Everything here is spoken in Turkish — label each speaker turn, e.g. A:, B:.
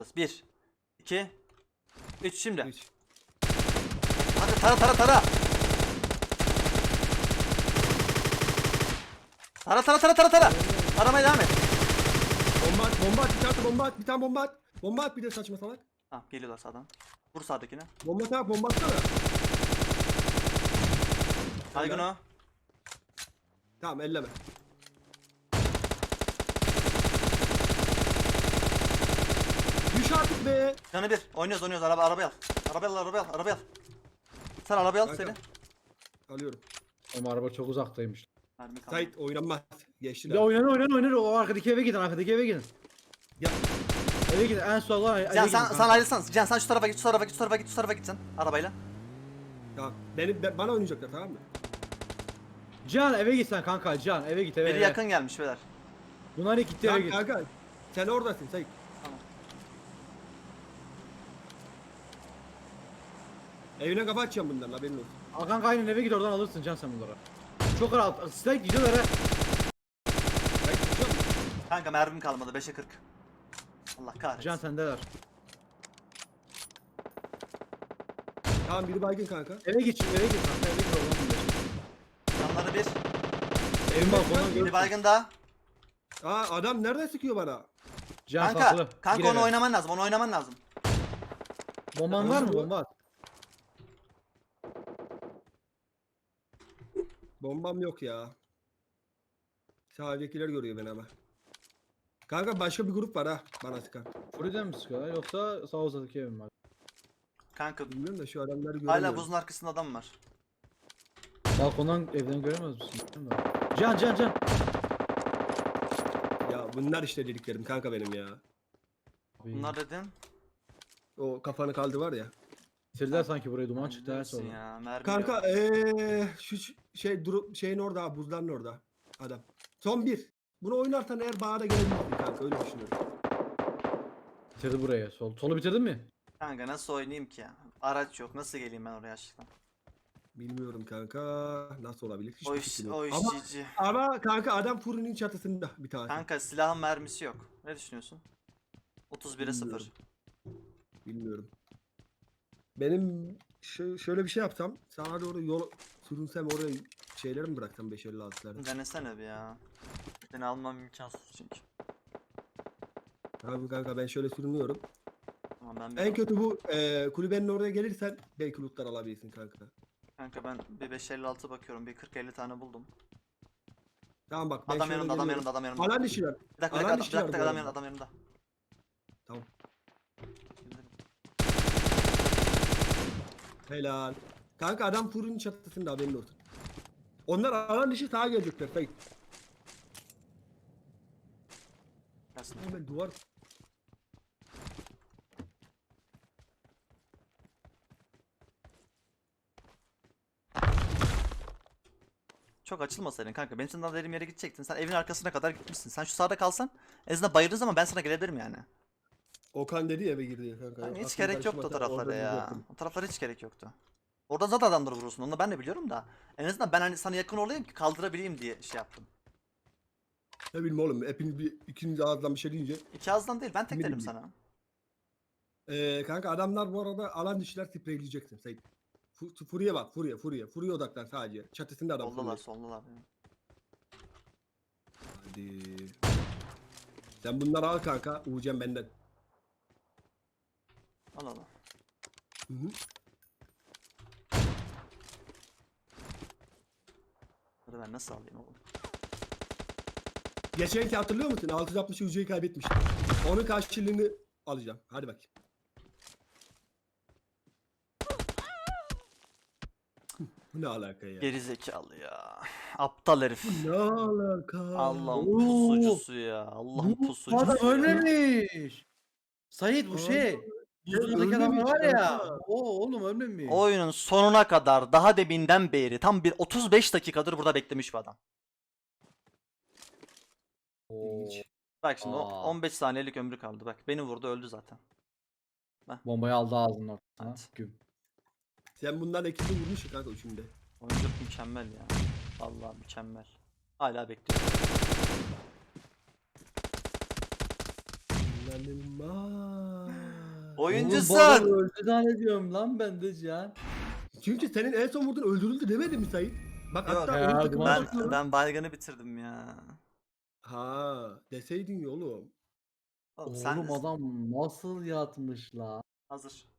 A: 1 2 3 şimdi.
B: 3.
A: Hadi tara. Tara. Aramaya devam et.
B: Bomba at, bir tane bomba at. Bomba at bir de saçma salak.
A: Tamam geliyorlar sağdan. Vur sağdakine.
B: Bomba atsana.
A: Baygın o.
B: Tamam elleme. Düş artık be.
A: Canı bir. Oynuyoruz. Arabayı al. Arabayı al. Sen arabayı al
B: Kanka.
A: seni.
B: Alıyorum.
C: Ama araba çok uzaktaymış.
A: Mermi kaldı.
B: Sait oynanmaz. Geçtiler.
C: Ya oynar. O arkadaki eve gidin.
B: Ya.
C: Eve gidin. En soldan eve
A: Can
C: gidin.
A: sen ayrılsan. Can sen şu tarafa git. Sen arabayla.
B: Tamam. Bana oynayacaklar tamam mı?
C: Can eve git sen kanka. Can eve git eve.
A: Biri yakın gelmiş beyler.
C: Bunlar ilk gitti eve
B: Tamam
C: git.
B: kanka. Sen oradasın Sait.
A: Tamam.
B: Evine kafa açacağım bunların haberin olsun.
C: Al kanka aynen eve git oradan alırsın Can sen bunları. Çok rahat. Silah gidiyorlar ha.
B: Sait tutacak mı?
A: Kanka mermim kalmadı 5'e 40. Allah kahretsin.
C: Can sendeler.
B: Tamam biri baygın kanka.
C: Eve git şimdi eve git kanka eve git oradan bunları.
A: Canları bir.
C: Evin balkonuna
A: Biri
C: görürsün.
A: baygın daha.
B: Aa adam nereden sıkıyor bana?
C: Can
A: Kanka
C: saklı. Gir
A: onu
C: eve.
A: oynaman lazım.
C: Bomban var mı bomba at.
B: Bombam yok ya. Sağdakiler görüyor beni ama. Kanka başka bir grup var ha bana sıkan.
C: Furi'den mi sıkıyorlar yoksa sağ uzaktaki evim var.
A: Kanka
B: Bilmiyorum da şu adamları görüyorum.
A: hala buzun arkasında adam var.
C: Balkondan evden göremez misin? Can.
B: Ya bunlar işte dediklerim kanka benim ya.
A: Bunlar dedin.
B: O kafanı kaldı var ya.
C: Bitirdiler sanki burayı duman çıktı her
A: Bilirsin
C: sonra.
A: ya. Mermi
B: Kanka
A: yok.
B: şu şey şeyin orada ha, buzların orada adam. Son bir. Bunu oynarsan eğer bana da gelebilirsin kanka öyle düşünüyorum.
C: Bitirdi burayı. Solu bitirdin mi?
A: Kanka nasıl oynayayım ki ya? Araç yok. Nasıl geleyim ben oraya aşkına?
B: Bilmiyorum kanka nasıl olabilir hiçbir
A: O iş,
B: fikrim yok.
A: o
B: Ama,
A: işçici.
B: ama kanka adam fırının çatısında bir tane.
A: Kanka silahın mermisi yok. Ne düşünüyorsun? 31'e 0.
B: Bilmiyorum. Bilmiyorum. Benim şöyle bir şey yapsam sana doğru yol sürünsem oraya şeyleri mi bıraksam 556'ları?
A: Denesene bir ya. Seni almam imkansız çünkü.
B: Abi kanka ben şöyle sürünüyorum.
A: Tamam ben
B: En kötü bu kulübenin oraya gelirsen belki lootlar alabilirsin kanka.
A: Kanka ben bir 556 bakıyorum. Bir 40-50 tane buldum.
B: Tamam bak ben
A: Adam
B: şöyle
A: yanımda, adam
B: geliyorum.
A: yanımda, adam yanımda.
B: Alan dışı var.
A: Bir dakika,
B: Alan
A: bir
B: dışı var
A: dakika,
B: bu
A: adam
B: arada.
A: yanımda, adam yanımda.
B: Tamam. Helal. Kanka adam fırının çatısında haberin olsun. Onlar alan dışı sağa gelecekler. Sayın.
A: Gelsin.
B: Hemen duvar.
A: Çok açılmasaydın kanka. Benim senden dediğim yere gidecektin. Sen evin arkasına kadar gitmişsin. Sen şu sağda kalsan en azından bayırdığın zaman ben sana gelebilirim yani.
B: Okan dedi ya eve girdi ya kanka.
A: Yani hiç
B: Aklım
A: gerek yoktu o
B: karışmasa
A: taraflara
B: orada
A: ya.
B: duracaktım.
A: O taraflara hiç gerek yoktu. Orada zaten adamları vurursun. Onu da ben de biliyorum da. En azından ben hani sana yakın olayım ki kaldırabileyim diye şey yaptım.
B: Ne bileyim oğlum hepiniz ikiniz ağızdan bir şey deyince.
A: İki ağızdan değil ben tek
B: Ne
A: dedim
B: bileyim.
A: sana.
B: Kanka adamlar bu arada alan dışılar spreyleyeceksin Sayın. Furiye bak Furiye odaklan sadece. Çatısında adam
A: Soldalar
B: Furiye.
A: soldalar.
B: Hadi. Sen bunları al kanka. Uğurcan benden.
A: Al al.
B: Hı hı.
A: Hadi ben nasıl alayım oğlum?
B: Geçenki hatırlıyor musun? 660 UC'yi kaybetmiştim. Onun karşılığını alacağım. Hadi bak. Bu ne alaka ya?
A: Geri zekalı ya. Aptal herif.
B: Ne alaka?
A: Allah'ın
C: Oo.
A: pusucusu ya. Allah'ın
C: Bu
A: pusucusu.
C: adam
A: ya.
C: ölmemiş. Sait bu şey. Buzdolabındaki adam
B: ölmemiş
C: var ya.
B: kanka.
C: O oğlum ölmemiş.
A: Oyunun sonuna kadar daha deminden beri tam bir 35 dakikadır burada beklemiş bir adam.
B: İlginç.
A: Bak şimdi
C: Aa.
A: 15 saniyelik ömrü kaldı. Bak beni vurdu öldü zaten.
C: Bombayı aldı ağzının ortasına.
A: Evet.
C: Güm.
B: Sen bundan ekini vurmuşsun kanka üçünde.
A: Oyunculuk mükemmel ya. Vallahi mükemmel. Hala bekliyorum.
B: İnanılmaz.
A: Oyuncusun.
C: Oğlum bu adam öldü zannediyorum lan ben de Cihan.
B: Çünkü senin en son vurduğun öldürüldü demedin mi Sait? Bak
A: Yok.
B: hatta
C: Ya,
B: oyun takımına
C: duman
B: bakıyorum.
A: Ben baygını bitirdim ya.
B: Ha deseydin ya oğlum.
A: Oğlum sen
C: Oğlum adam nasıl yatmış la?
A: hazır.